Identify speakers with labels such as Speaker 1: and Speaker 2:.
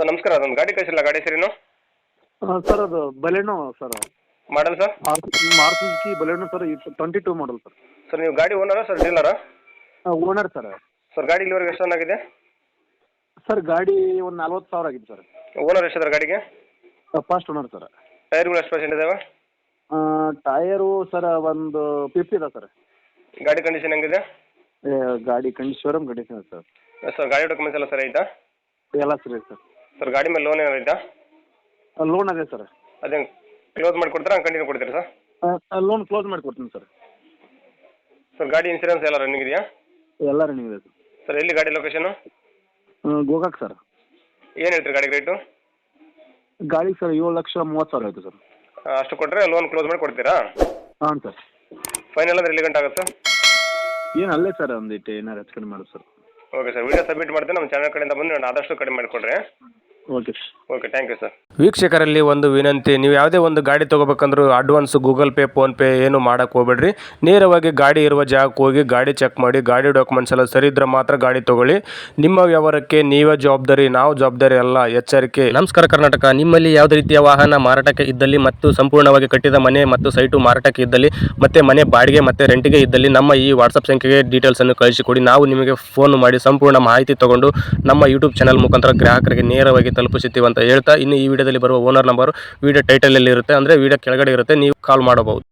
Speaker 1: Sir ನಮಸ್ಕಾರ, ಅದೊಂದು ಗಾಡಿ ಕಳಿಸಿಲ್ಲ, ಗಾಡಿ ಹೆಸರೇನು?
Speaker 2: ಸರ್ ಅದು Baleno sir.
Speaker 1: Model sir?
Speaker 2: Maruti Baleno sir, 22 model sir.
Speaker 1: Sir ನೀವು ಗಾಡಿ ಓನರಾ ಸರ್ ಡೀಲರಾ?
Speaker 2: Owner sir.
Speaker 1: ಸರ್ ಗಾಡಿ ಇಲ್ಲಿವರೆಗೆ ಎಷ್ಟು ರನ್ ಆಗಿದೆ?
Speaker 2: ಸರ್ ಗಾಡಿ ಒಂದು 40,000 ಆಗಿದೆ ಸರ್.
Speaker 1: ಓನರ್ ಎಷ್ಟಿದ್ದಾರೆ ಗಾಡಿಗೆ?
Speaker 2: First owner sir.
Speaker 1: ಟೈರ್ಗಳು ಎಷ್ಟು ಪರ್ಸೆಂಟ್ ಇದಾವೆ?
Speaker 2: ಟಯರು ಸರ್ ಒಂದು 50 ಇದೆ ಸರ್.
Speaker 1: ಗಾಡಿ ಕಂಡೀಷನ್ ಹೆಂಗಿದೆ?
Speaker 2: ಗಾಡಿ ಶೋರೂಮ್ ಕಂಡೀಷನ್ ಇದೆ ಸರ್.
Speaker 1: ಸರ್ ಗಾಡಿ ಡಾಕ್ಯುಮೆಂಟ್ಸ್ ಎಲ್ಲ ಸರಿ ಐತಾ?
Speaker 2: ಎಲ್ಲ ಸರಿ ಸರ್.
Speaker 1: ಸರ್ ಗಾಡಿ ಮೇಲೆ ಲೋನ್ ಏನಾರು ಐತಾ?
Speaker 2: ಲೋನ್ ಅದೇ ಸರ್.
Speaker 1: ಅದೇ ಕ್ಲೋಸ್ ಮಾಡಿ ಕೊಡ್ತೀರಾ, ಕಂಟಿನ್ಯೂ ಕೊಡ್ತೀರಾ ಸರ್?
Speaker 2: ಲೋನ್ ಕ್ಲೋಸ್ ಮಾಡಿ ಕೊಡ್ತೀನಿ ಸರ್.
Speaker 1: ಸರ್ ಗಾಡಿ ಇನ್ಸೂರೆನ್ಸ್ ಎಲ್ಲ ರನ್ನಿಂಗ್ ಇದೆಯಾ?
Speaker 2: ಎಲ್ಲ ರನ್ನಿಂಗ್ ಇದೆ ಸರ್.
Speaker 1: ಸರ್ ಎಲ್ಲಿ ಗಾಡಿ ಲೊಕೇಶನು?
Speaker 2: ಗೋಕಾಕ್ ಸರ್.
Speaker 1: ಏನು ಹೇಳ್ತೀರಿ ಗಾಡಿ ರೇಟು?
Speaker 2: ಗಾಡಿ ಸರ್ 7,30,000 ಆಯಿತು ಸರ್.
Speaker 1: ಅಷ್ಟು ಕೊಟ್ಟರೆ ಲೋನ್ ಕ್ಲೋಸ್ ಮಾಡಿ ಕೊಡ್ತೀರಾ?
Speaker 2: ಹಾಂ ಸರ್.
Speaker 1: ಫೈನಲ್ ಅಂದ್ರೆ ಎಲ್ಲಿ ಗಂಟೆ ಆಗುತ್ತೆ?
Speaker 2: ಏನು ಅಲ್ಲೇ ಸರ್, ಒಂದಿಟ್ಟು ಏನಾರು ಹೆಚ್ಚು ಕಡಿಮೆ ಮಾಡೋದು sir.
Speaker 1: Okay sir, video submit ಮಾಡ್ತೀನಿ. ನಮ್ಮ ಚಾನಲ್ ಕಡೆಯಿಂದ ಬಂದು ನಾನು ಆದಷ್ಟು ಕಡಿಮೆ ಮಾಡಿಕೊಡ್ರಿ.
Speaker 2: Okay sir.
Speaker 1: Okay, thank you sir.
Speaker 3: ವೀಕ್ಷಕರಲ್ಲಿ ಒಂದು ವಿನಂತಿ, ನೀವು ಯಾವುದೇ ಒಂದು ಗಾಡಿ ತೊಗೋಬೇಕಂದ್ರೂ ಅಡ್ವಾನ್ಸ್ ಗೂಗಲ್ ಪೇ ಫೋನ್ಪೇ ಏನು ಮಾಡೋಕ್ಕೆ ಹೋಗ್ಬೇಡ್ರಿ. ನೇರವಾಗಿ ಗಾಡಿ ಇರುವ ಜಾಗಕ್ಕೆ ಹೋಗಿ ಗಾಡಿ ಚೆಕ್ ಮಾಡಿ, ಗಾಡಿ ಡಾಕ್ಯುಮೆಂಟ್ಸ್ ಎಲ್ಲ ಸರಿ ಇದ್ರೆ ಮಾತ್ರ ಗಾಡಿ ತೊಗೊಳ್ಳಿ. ನಿಮ್ಮ ವ್ಯವಹಾರಕ್ಕೆ ನೀವೇ ಜವಾಬ್ದಾರಿ, ನಾವು ಜವಾಬ್ದಾರಿ ಅಲ್ಲ, ಎಚ್ಚರಿಕೆ. ನಮಸ್ಕಾರ ಕರ್ನಾಟಕ. ನಿಮ್ಮಲ್ಲಿ ಯಾವುದೇ ರೀತಿಯ ವಾಹನ ಮಾರಾಟಕ್ಕೆ ಇದ್ದಲ್ಲಿ ಮತ್ತು ಸಂಪೂರ್ಣವಾಗಿ ಕಟ್ಟಿದ ಮನೆ ಮತ್ತು ಸೈಟು ಮಾರಾಟಕ್ಕೆ ಇದ್ದಲ್ಲಿ ಮತ್ತು ಮನೆ ಬಾಡಿಗೆ ಮತ್ತು ರೆಂಟಿಗೆ ಇದ್ದಲ್ಲಿ ನಮ್ಮ ಈ ವಾಟ್ಸಪ್ ಸಂಖ್ಯೆಗೆ ಡೀಟೇಲ್ಸನ್ನು ಕಳಿಸಿಕೊಡಿ. ನಾವು ನಿಮಗೆ ಫೋನ್ ಮಾಡಿ ಸಂಪೂರ್ಣ ಮಾಹಿತಿ ತಗೊಂಡು ನಮ್ಮ ಯೂಟ್ಯೂಬ್ ಚಾನಲ್ ಮುಖಾಂತರ ಗ್ರಾಹಕರಿಗೆ ನೇರವಾಗಿ ತಲುಪಿಸುತ್ತೀವಿ ಅಂತ ಹೇಳ್ತಾ, ಇನ್ನು ಈ ವಿಡಿಯೋದಲ್ಲಿ ಬರುವ ಓನರ್ ನಂಬರ್ ವಿಡಿಯೋ ಟೈಟಲಲ್ಲಿ ಇರುತ್ತೆ, ಅಂದರೆ ವಿಡಿಯೋ ಕೆಳಗಡೆ ಇರುತ್ತೆ, ನೀವು ಕಾಲ್ ಮಾಡಬಹುದು.